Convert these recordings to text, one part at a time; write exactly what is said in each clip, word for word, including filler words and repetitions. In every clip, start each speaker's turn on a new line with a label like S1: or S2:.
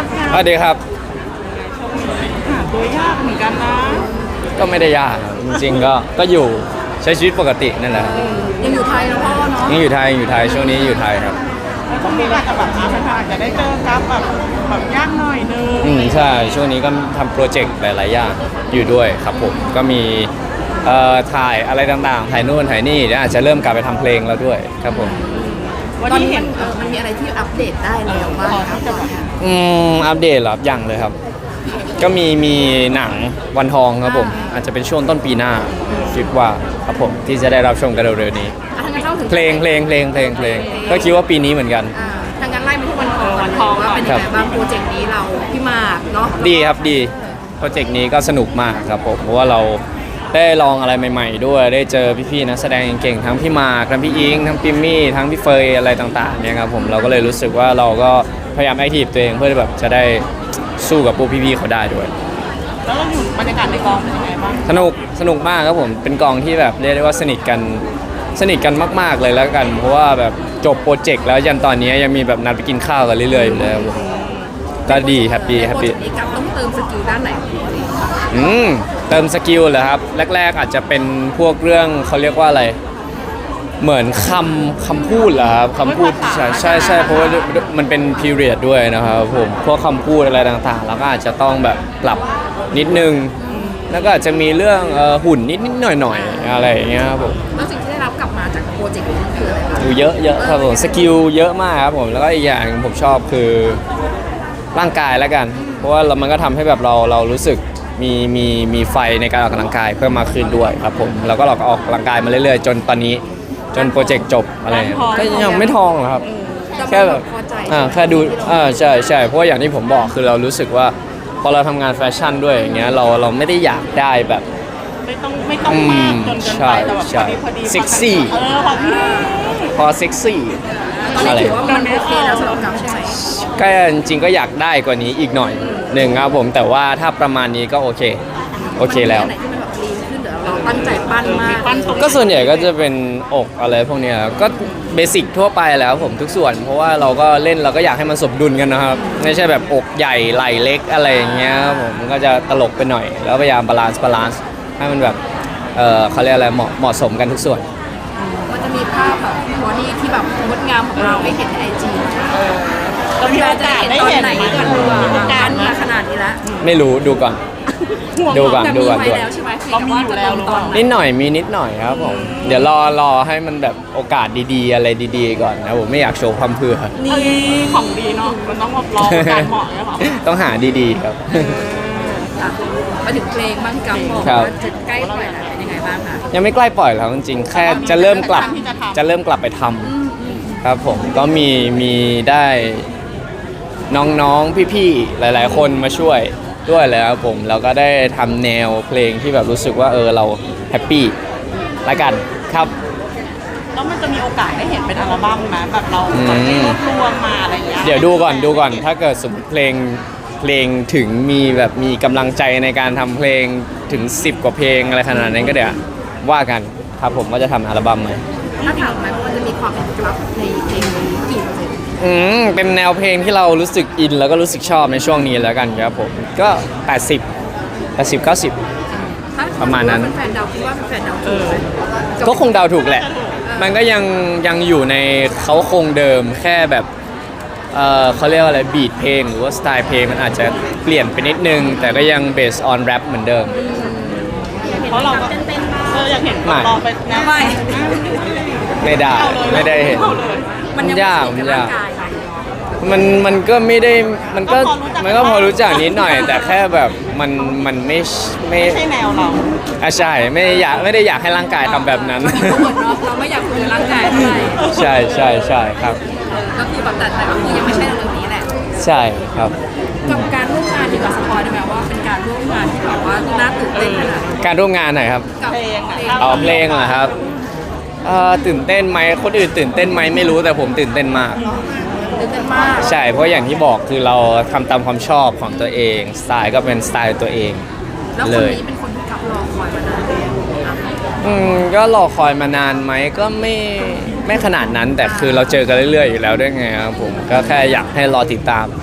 S1: ครับ
S2: สวัสดีครับ
S1: หาตัวยากเหมือนกันนะ
S2: ก็ไม่ได้ยากครับจริงๆก็ก็อยู่ใช้ชีวิตปกตินั่นแหละครับ
S3: ยังอยู่ไทยนะพ่อเนาะ
S2: ยังอยู่ไทยอยู่ไทยช่วงนี้อยู่ไทยครับ
S1: ช่วงนี้อาจจะแบบอาจจะอาจจะได้เจอครับแบบแบบยากหน่อยนึง
S2: อืมใช่ช่วงนี้ก็ทำโปรเจกต์หลายๆอย่างอยู่ด้วยครับผมก็มีเอ่อถ่ายอะไรต่างๆถ่ายนู่นถ่ายนี่แล้วอาจจะเริ่มกลับไปทำเพลงแล้วด้วยครับผม
S3: ตอนนี้มันเออมันมีอะไรที่อัปเดตได้แล้วบ้างครับ
S2: อืมอัปเดตเหรอยังเลยครับก็มีมีหนังวันทองครับผมอาจจะเป็นช่วงต้นปีหน้าคิดว่าครับผมที่จะได้รับชมกันเร็วๆนี้เพลงเพลงเพลงเพลงเพลงก็คิดว่าปีนี้เหมือนกัน
S3: ทางการไล่มาที่วันทองวันทองว่าเป็นยังไงบ้างโปรเจกต์นี้เราพี่มากเนาะ
S2: ดีครับดีโปรเจกต์นี้ก็สนุกมากครับผมเพราะว่าเราได้ลองอะไรใหม่ๆด้วยได้เจอพี่ๆนักแสดงเก่งทั้งพี่มาร์คทั้งพี่อิงทั้งปิมมี่ทั้งพี่เฟยอะไรต่างๆเนี่ยครับผมเราก็เลยรู้สึกว่าเราก็พยายามแอคทีฟตัวเองเพื่อแบบจะได้สู้กับพวกพี่ๆเขาได้ด้วย
S1: แล้วเราอยู่บรรยากาศในกองเป็นยังไงบ้าง
S2: สนุกสนุกมากครับผมเป็นกองที่แบบเรียกได้ว่าสนิทกันสนิทกันมากๆเลยแล้วกันเพราะว่าแบบจบโปรเจกต์แล้วยันตอนนี้ยังมีแบบนัดไปกินข้าวกันเรื่อยๆอยู่เลยก็ดีแฮปปี้แฮปปี้
S3: นี้กับต้องเติมสกิลด้านไหน
S2: อืมเติมสกิลเหรอครับแรกๆอาจจะเป็นพวกเรื่องเขาเรียกว่าอะไรเหมือนคำคำพูดเหรอครับคำพูดใช่ใช่ใช่เพราะว่ามันเป็นพีเรียดด้วยนะครับผมพวกคำพูดอะไรต่างๆแล้วก็อาจจะต้องแบบปรับนิดนึงแล้วก็อาจจะมีเรื่องหุ่นนิดๆหน่อยๆอะไรอย่างเงี้ยครับผม
S3: แล้วสิ่งที่ได้รับกลับมาจากโปรเจกต์นี้คืออะไรครับ
S2: เยอะเยอะครับผมสกิลเยอะมากครับผมแล้วก็อีกอย่างผมชอบคือร่างกายแล้วกันเพราะว่ามันก็ทำให้แบบเราเรารู้สึกมีมีมีไฟในการออกกำลังกายเพิ่มมากขึ้นด้วยครับผมแล้วก็เราก็ออกกำลังกายมาเรื่อยๆจนตอนนี้จนโปรเจกต์จบอะไรก็ยังไม่ทองหรอกครับแค่แบบอ่าแค่ดูอ่าใช่ใช่เพราะว่าอย่างที่ผมบอกคือเรารู้สึกว่าพอเราทำงานแฟชั่นด้วยอย่างเงี้ยเราเราไม่ได้อยากได้แบบ
S1: ไม่ต้องไม่ต้องมากจนเกินไปแต่แบบพอดีพอดี
S2: เซ็กซี่
S1: เออพอดี
S2: พอเซ็กซี่
S3: อะไรถือว่ามันโอเคแล้วสำหรับกับใช่ไหม
S2: ก็จริงๆก็อยากได้กว่านี้อีกหน่อยหนึ่งครับผมแต่ว่าถ้าประมาณนี้ก็โอเคโอเคแล้ว
S3: เราตั้งใจปั้นมาก
S2: ก็ส่วนใหญ่ก็จะเป็นอกอะไรพวกเนี้ยก็เบสิกทั่วไปแล้วผมทุกส่วนเพราะว่าเราก็เล่นเราก็อยากให้มันสมดุลกันนะครับไม่ใช่แบบอกใหญ่ไหล่เล็กอะไรอย่างเงี้ยผมก็จะตลกไปหน่อยแล้วพยายามบาลานซ์บาลานซ์ให้มันแบบเออเขาเรียกอะไรเหมาะเหมาะสมกันทุกส่วน
S3: มันจะมีภาพแบบบอดี้ที่แบบงดงามของเราให้เห็นในไอจี
S1: เรามีโอกาสได้เห็นไหม
S3: กันการมาขนาดนี้แล้ว
S2: ไม่รู้ดูก่อนดูก่อนดูก่อนดู
S3: เรามีอยู่แล้ว
S2: นิดหน่อยมีนิดหน่อยครับผมเดี๋ยวรอรอให้มันแบบโอกาสดีๆอะไรดีๆก่อนนะผมไม่อยากโชว์ความเพื่อ
S1: นี่ของดีเนาะมันต้องแบบรอการเหมาะใช่ป่ะ
S2: ต้องหาดีๆครับ
S3: มาถึงเพลงบ้างกับบอกว่าจะใกล้ปล่อยแล้วเป็นยังไงบ้างคะ
S2: ยังไม่ใกล้ปล่อยแล้วจริงๆแค่จะเริ่มกลับจะเริ่มกลับไปทำครับผมก็มีมีได้น้องๆพี่ๆหลายๆคนมาช่วยด้วยเลยครับผมเราก็ได้ทำแนวเพลงที่แบบรู้สึกว่าเออเราแฮปปี้ละกันครับ
S1: แล้วมันจะมีโอกาสได้เห็นเป็นอัลบั้มไหมแบบเราแบบรวบรวมมาอะไรอย่างเงี้ย
S2: เดี๋ยวดูก่อนดูก่อนถ้าเกิดสมมติเพลงเพลงถึงมีแบบมีกำลังใจในการทำเพลงถึงสิบกว่าเพลงอะไรขนาดนั้นก็เดี๋ยวว่ากันครับผมว่าจะทำอัลบั้มไหม
S3: ถ้าถามไหมว่าจะมีความเป็นกลับในเพลงนี้กี่เปอร์เซ็นต์
S2: อืมเป็นแนวเพลงที่เรารู้สึกอินแล้วก็รู้สึกชอบในช่วงนี้แล้วกันครับผมก็แปดสิบ แปดสิบ เก้าสิบประมาณนั้น
S3: แฟนเดาคิดว่าแฟนเดาถูกไหม
S2: ก็คงเดาถูกแหละมันก็ยังยังอยู่ในเขาคงเดิมแค่แบบเออเขาเรียกว่าอะไรบีทเพลงหรือว่าสไตล์เพลงมันอาจจะเปลี่ยนไปนิดนึงแต่ก็ยังเบสออนแรปเหมือนเดิม
S1: เพราะเราก็เอออยากเห็นลองไปนะ
S3: ไม่
S2: ไม่ได้ไม่ได้เห็น
S3: มัน
S2: ยากมันยากมันมันก็ไม่ได้มันก็มันก็พอรู้จักนิดหน่อยแต่แค่แบบมันมันไม่
S1: ไม่ใช่แนวเรา
S2: อ่ะใช่ไม่อยากไม่ได้อยากให้ร่างกายทำแบบนั้น
S3: เราไม่อยากคุยร่างกายเท่าไหร่
S2: ใช่ใช่ใช่ครับ
S3: ก็คือแบบแต่แต่ก็คือยังไม่ใช่เรื่องนี้แหละ
S2: ใช่ครับ
S3: กับการร่วมงานดีกว่าสปอยได้ไหมว่าเป็นการร่วมงานที่แบบว่าน่าตื่นเต้นขนาด
S2: การร่วมงานไหนครับ
S3: กับเพลง
S2: เอาเพลงเหรอครับตื่นเต้นไหมคนอื่นตื่นเต้นไหมไม่รู้แต่ผมตื่นเต้นมาก
S3: ตื่นเต้นมาก
S2: ใช่เพราะอย่างที่บอกคือเราทำตามความชอบของตัวเองสไตล์ก็เป็นสไตล์ตัวเอง
S3: แล้วคนนี้เป็นคนที่กับรอคอยมานาน
S2: อืมก็รอคอยมานานไหมก็ไม่ไม่ขนาดนั้นแต่คือเราเจอกันเรื่อยๆอยู่แล้วด้วยไงครับผมก็แค่อยากให้รอติดตาม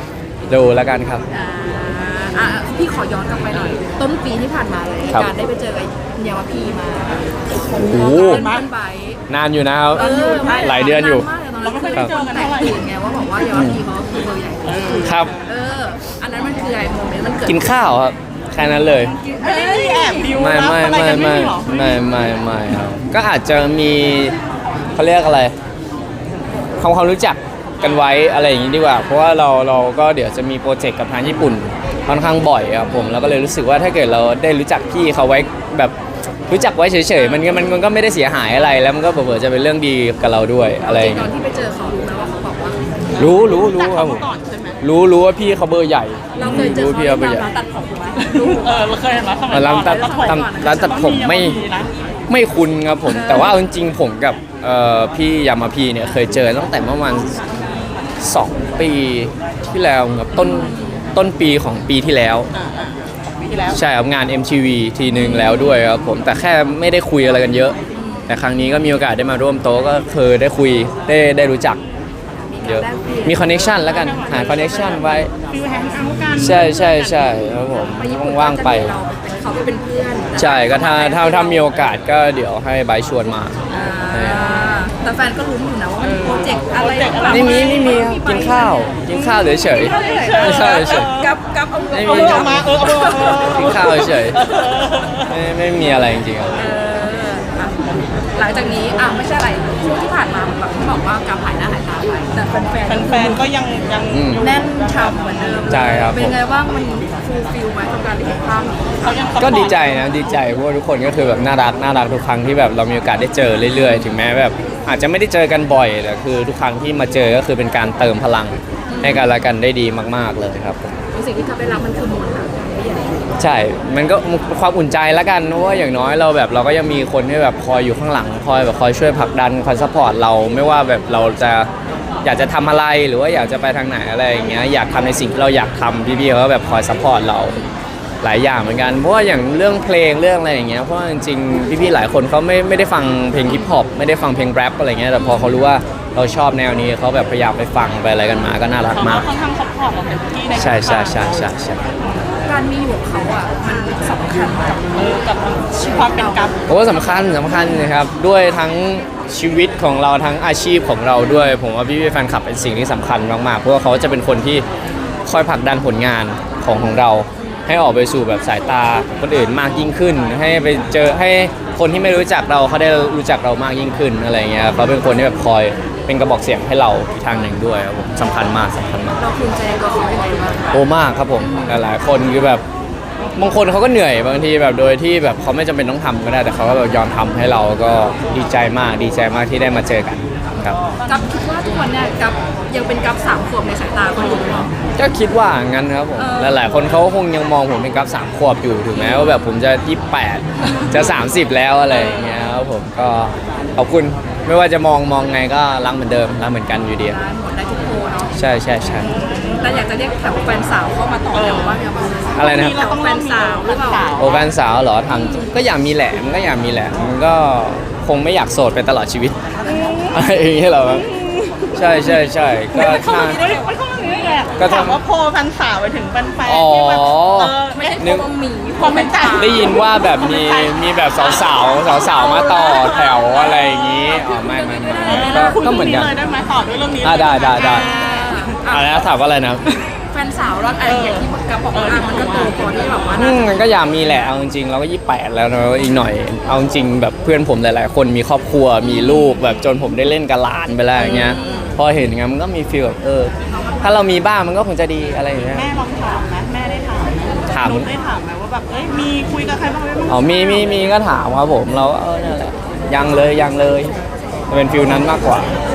S2: ดูแล้วกันครับ
S3: อ่าอ่ะพี่ขอย้อนกลับไปหน่อย ต้นปีที่ผ่านมาเลย
S2: ครับ
S3: การได้ไปเจอไอ้เยาวพีมา
S2: โอ้โห
S3: เป็นบ้านไบ
S2: นานอยู่นะครับ
S3: เออไม่
S2: หลายเดือนอยู่
S3: มากเลยตอน
S1: เรา
S3: นั้น
S1: ไม่เคยได้เจอกัน
S3: แต
S1: เท่าก ไหร่
S3: ตื่นไงว่าบอกว่าเยาวพีเขาคือเบอร์ใหญ่
S2: ครับ
S3: เออ อันนั้นมันคือไอ้โมเมนต์มันเกิด
S2: กินข้าวครับแค่นั้นเลย
S1: ไม่ได้มีแอบดิว
S2: ไม่
S1: รับ
S2: ไม่
S1: อะไร
S2: ไม่
S1: กันไม่
S2: ไม่
S1: มีหรอ
S2: ไม่ไม่ไม่ครับก็อาจจะมีเขาเรียกอะไรทำความรู้จักกันไว้อะไรอย่างนี้ดีกว่า เพราะว่าเราเราก็เดี๋ยวจะมีโปรเจกต์กับทางญี่ปุ่นค่อนข้างบ่อยครับผมแล้วก็เลยรู้สึกว่าถ้าเกิดเราได้รู้จักพี่เขาไว้แบบรู้จักไว้เฉยๆมันก็มันมันก็ไม่ได้เสียหายอะไรแล้วมันก็เผื่อๆจะเป็นเรื่องดีกับเราด้วยอะไรอย่าง
S3: ตอ
S2: เงี้
S3: น
S2: ย
S3: ที่ไปเจอเขารู้ไหมว่าเขาบอกว่า
S2: รู้รู้รู้
S1: รู้
S2: ครับผ
S1: มาม ก่อนใช่ไหม
S2: รู้รู้ว่าพี่เขาเบอร์ใหญ่
S3: เราเคยเจอ
S2: รู้
S3: เขา
S2: พี่
S3: ที่
S2: เขาเบอร์ใหญ่
S3: ร้านตัดผมไหม
S1: เออเราเคยเห็นไหมสมัย
S2: ร้านตัด
S1: ก่อน
S2: ร้านตัดผมไม่
S1: นะ
S2: ไม่คุ้นครับผม แต่ว่าเอาจริงๆผมกับเอ่อพี่ยามาพีเนี่ยเคยเจอตั้งแต่ประมาณสองปีที่แล้วครับต้นต้นปีของปีที่แล้ว
S1: อ่าอ่าปีที่แล้ว
S2: ใช่ครับงาน เอ็ม ที วี ทีหนึ่งแล้วด้วยครับผมแต่แค่ไม่ได้คุยอะไรกันเยอะ แต่ครั้งนี้ก็มีโอกาสได้มาร่วมโต๊ะก็คือได้คุยได้ได้รู้จักเยอะมีคอนเนคชันแล้วกันหาคอนเนคชันไว้
S1: ฟิลแฮงเอาท์กัน
S2: ใช่ใช่ใช่ครับผม
S3: ไปญี่ปุ่น
S2: ว่างๆไป
S3: เราเป็นเขาไปเป็นเพื่อน
S2: ใช่ก็ถ้าถ้าถ้ามีโอกาสก็เดี๋ยวให้ไบร์ทชวนมา
S3: อ่าแต่แฟนก็รู้อยู่นะว่ามันมีโปรเจกต์อะไรหรือเปล่า
S2: ไม่มีไม่มีครับกินข้าวกินข้าวเฉยๆกินข้าวเฉย
S3: กับกับเอา
S2: ไม่
S1: เอา
S2: มี
S1: เบอร์ออกมาเออเอาเบอร์ออกมา
S2: ๆกินข้าวเฉยๆไม่ไม่มีอะไรจริงๆครับ
S3: เอออ่ะหลังจากนี้อ่ะไม่ใช่อะไรช่วงที่ผ่านมาแบบที่บอกว่าการหายหน้าหายตาไปแต่แฟนๆ
S1: แฟนๆก็ยังยัง
S2: อืม
S3: แน่นชำเหมือนเดิม
S2: ใช่ครับ
S3: เป็นไงบ้างมันฟูลฟิลไหมกับการได้เห็นภาพนี้
S1: เขายัง
S2: ก็ดีใจนะดีใจเพราะว่าทุกคนก็คือแบบน่ารักน่ารักทุกครั้งที่แบบเรามีโอกาสได้เจอเรื่อยๆ ถึงแม้แบบอาจจะไม่ได้เจอกันบ่อยแต่คือทุกครั้งที่มาเจอก็คือเป็นการเติมพลังให้กันและกันได้ดีมากๆเลยครับผม
S3: สิ่งที่ทำได้รับมันคือมวลค่ะไม่ใหญ่
S2: ใช่ มันก็ความอุ่นใจแล้วกันเพราะว่าอย่างน้อยเราแบบเราก็ยังมีคนที่แบบคอยอยู่ข้างหลังคอยแบบคอยช่วยผลักดันคอยซัพพอร์ตเราไม่ว่าแบบเราจะอยากจะทำอะไรหรือว่าอยากจะไปทางไหนอะไรอย่างเงี้ยอยากทำในสิ่งที่เราอยากทำพี่ๆเขาก็แบบคอยซัพพอร์ตเราหลายอย่างเหมือนกันเพราะว่าอย่างเรื่องเพลงเรื่องอะไรอย่างเงี้ยเพราะว่าจริงๆพี่ๆหลายคนเขาไม่ไม่ได้ฟังเพลงฮิปฮอปไม่ได้ฟังเพลงแรปอะไรเงี้ยแต่พอเขารู้ว่าเราชอบแนวนี้เขาแบบพยายามไปฟังไปอะไรกันมาก็น่ารัก
S1: เขา
S2: มาก
S1: ค่อนข้างซัพพอร์ตเราเต็มที่ใน
S2: ใช่ใช่ใช่ใช่ใช่
S3: การมีอยู่ของเขาอ่ะมันสำคัญกับ
S1: เออกับความเป็นกัฟ
S2: โอ้สำคัญสำคัญนะครับด้วยทั้งชีวิตของเราทั้งอาชีพของเราด้วย ผมว่าพี่พี่ๆแฟนคลับเป็นสิ่งที่สำคัญมากๆเพราะว่าเขาจะเป็นคนที่คอยผลักดันผลงานของของเรา ให้ออกไปสู่แบบสายตาคนอื่นมากยิ่งขึ้น ให้ไปเจอให้คนที่ไม่รู้จักเราเขาได้รู้จักเรามากยิ่งขึ้นอะไรเงี้ยเขาเป็นคนที่แบบคอยเป็นกระบอกเสียงให้เราอีกทางหนึ่งด้วยครับผมสำคัญมากสำคัญมาก
S3: เราภูมิใจในตัวเขายังไงบ้างคะ
S2: โอ้มากครับผมหลายๆคนคือแบบบางคนเขาก็เหนื่อยบางทีแบบโดยที่แบบเขาไม่จำเป็นต้องทำก็ได้แต่เขาก็แบบยอมทำให้เราก็ดีใจมากดีใจมากที่ได้มาเจอกันครับ
S3: กับคิดว่าทุกวันเนี่ยกับยังเป็นกับสามขวบในสายตาคนอื่นหรอ
S2: ก็คิดว่างั้นครับผม
S3: เออ
S2: หลายๆคนเขาคงยังมองผมเป็นกราฟสามขวบอยู่ถึงแม้ว่าแบบผมจะยี่สิบแปดจะสามสิบแล้วอะไรอย่างเงี้ยครับผมก็ขอบคุณไม่ว่าจะมองมองไงก็รักเหมือนเดิมรักเหมือนกันอยู่ดี
S3: ร้านหมดได้ทุกโพเนาะ
S2: ใช่ใช่ใช่
S3: แต่อยากจะเรียกแถวแฟนสาวเข้ามาต่อแถวว่าไงบ้าง
S2: อะไรนะครับ
S3: แถวแฟนสาวหรือเปล่า
S2: โอแฟนสาวเหรอทำก็อยากมีแหละมันก็อยากมีแหละมันก็คงไม่อยากโสดไปตลอดชีวิตอะไรอย่างเงี้ยเหรอครับใช่ใช่ใช่ก็
S1: มันเข้า
S2: ถ้า
S1: มาอย่างนี้มันเข้ามาอย่างนี้เลยอะ
S2: ก็ทำ
S1: ถามว่าโพลแฟนสาวไปถึงแฟนแฟน
S2: อ๋อ
S1: ที่แบบเออ
S3: ไม่
S1: ไม่
S3: ใช่
S1: ใช่
S3: โพบะหมี่
S1: ความเป็นต่าง
S2: ได้ยินว่าแบบมีมีแบบสาวสาวสาวสาวๆมาต่อแถวอะไรอย่างงี้อ๋อไม่ไม่ไม่ไม่ก็
S1: คุย
S2: ก็เหมือนกัน
S1: เลยได้ไหมต่อด้วยเรื่องนี้
S2: อ่ะได้ได้ได้
S3: อ่า
S2: อะไรนะถามว่าอะไรนะ
S3: แฟนสาวรอดอะไรอย่างที่กับบอกว่าอ่ะมันก็โตพอที่แบบว่า
S2: อื
S3: น่าม จะ
S2: มันก็อยากมีแหละเอาจริงๆเราก็ยี่สิบแปดแล้วเนอะอีกหน่อยเอาจริงแบบเพื่อนผมหลายๆ คนมีครอบครัวมีลูกแบบจนผมได้เล่นกับหลานไปแล้วอย่างเงี้ยพอเห็นอย่างเงี้ยมันก็มีฟีลแบบเออถ้าเรามีบ้างมันก็คงจะดีอะไรอย่างเงี้ย
S1: แม่ลองถามนะแม่ได้ถามไหม
S2: ถาม
S1: นุ๊กได้ถามไหมว่าแบบเอ้ยมีคุยกับใครบ้างไหม
S2: อ๋อมีมีมีก็ถามครับผมเราก็เออนั่นแหละยังเลยยังเลยจะเป็นฟีลนั้นมากกว่า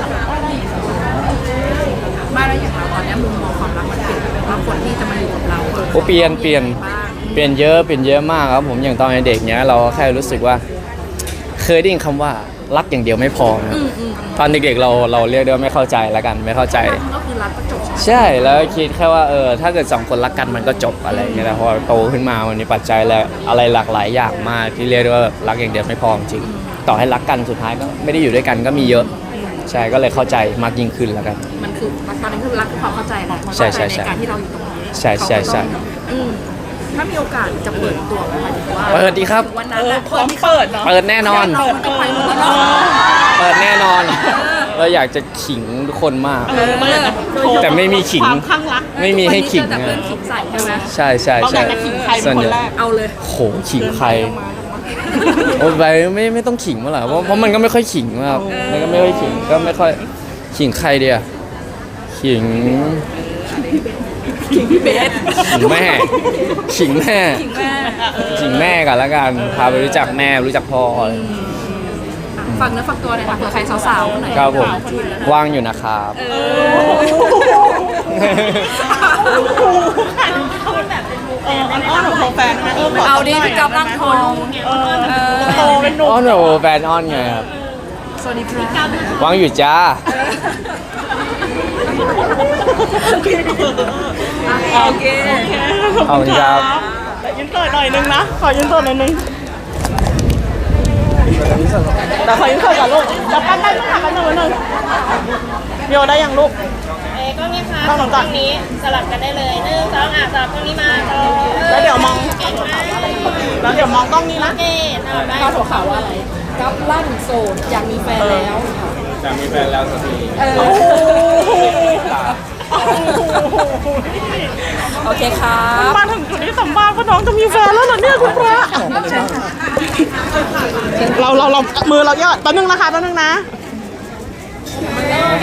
S3: ไม่แล้วอย่างเราตอนเนี้ยมุมมองความรักมันเปลี่ยนไปว่าคนที่จะมาอยู่กับเรา
S2: โอ้เปลี่ยนเปลี่ยน
S3: บ้าง
S2: เปลี่ยนเยอะเปลี่ยนเยอะมากครับผมอย่างตอนเด็กเนี้ยเราแค่รู้สึกว่าเคยได้ยินคำว่ารักอย่างเดียวไม่พอนะครับ
S3: อืมอืม
S2: ตอนเด็กๆเราเราเรียกได้ว่าไม่เข้าใจแล้วกันไม่เข้าใจ
S3: รักก็คือรักก็จบ
S2: ใช่แล้วคิดแค่ว่าเออถ้าเกิดสองคนรักกันมันก็จบอะไรอย่างเงี้ยแต่พอโตขึ้นมามันมีปัจจัยและอะไรหลากหลายอย่างมากที่เรียกได้ว่าแบบรักอย่างเดียวไม่พอจริงต่อให้รักกันสุดท้ายก็ไม่ได้อยู่ด้วยกันก็มีเยอะใช่ก็เลยเข้าใจมากยิ่งขึ้นแล้วกัน
S3: มันคือตอนนี้คือรักคือความเข้าใจแหละ
S2: ใช่ใช่ใช่
S3: ในการที่เราอยู่ตรงนี้
S2: ใช่ใช่ใช่
S3: เขาก็ต้องอืมถ้ามีโอกาสจะเปิดตัวไหมหมายถึงว่า
S2: เปิดดีครับ
S3: วัน
S1: เอ
S3: นั้น
S1: อ
S3: น่ะ
S1: พร้อมเปิดเนาะ
S2: เปิดแน่นอน
S3: เราก็ไปหมดแล้วเนาะ
S2: เปิดแน่นอน เราอยากจะขิงทุกคนมาก
S1: เออเปิดนะ
S2: แต่ไม่มีขิง
S1: ความข้างรัก
S2: ไม่มีให้ขิง
S3: แต่
S2: อะ
S3: เพื่อนขิงใส่ใช่ไหม
S2: ใช่ใช่
S1: เราอ
S2: ใช่
S1: ยากจะขิงใครเป็นคนแรก
S3: เอาเลย
S2: โหขิงใครโอ้ยไปไม่ไม่ต้องขิงมาหรอกเพราะเพราะมันก็ไม่ค่อยขิงมากมันก็ไม่ค่อยขิงก็ไม่ค่อยขิงใครเดียขิง
S3: ขิงพี่เบส
S2: ขิงแม่ขิงแม่
S3: ขิงแม่
S2: ขิงแม่กันแล้วกันพาไปรู้จักแม่รู้จักพ่ออะไร
S3: ฝากเนื้อฝากตัวหน่อยค่ะเผื่อใครสาวๆคนไหน
S2: ครับผมว่างอยู่นะครับ
S3: เอ
S1: เออมันอ้อนของแฟนไหมเออข
S3: เอาดิพี่กับร่างทอง
S1: เออโตเป็นหนุ่ม
S2: อ้อนโอ้แฟนอ้อนไงครับ
S3: สวัสดีครับ
S2: ว่างอยู่จ้า
S3: โอเค
S2: ขอบคุณครับ
S1: แต่ยืนเปิดหน่อยนึงนะ ขอยืนเปิดหน่อยนึงแต่ขอยืนเปิดก่อนลูกจะปั้นได้ต้องทำกันหนึ่งหนึ่งโยได้ยังลูก
S4: เอ้ก็มีค่ะ
S1: ต้อง
S4: ส
S1: ส
S4: อ
S1: อง ง
S4: ก
S1: จั
S4: ล้
S1: บ
S4: องนี้สลับกันได้เลยหนึ่งสองอ่ะสลับกล้องนี้มาสอง
S1: แล้วเดี๋ยวมอง
S4: เก่งมาก
S1: แล้วเดี๋ยวมองกล้องนี้นะ
S4: โอเคเอาได้
S3: ข้าวหัวข่าวว่าอะไรกับลั่นโสดอยากมีแฟนแล้ว
S2: จะมีแฟนแล้วสักที
S3: เออ
S1: โอ้โห
S3: โอเคครับ
S1: มาถึงจุดที่สัมภาษณ์ว่าน้องจะมีแฟนแล้วเหรอเนี่ยคุณพระเราเราเรามือเรายอดแป๊บนึงนะคะแป๊บนึงนะ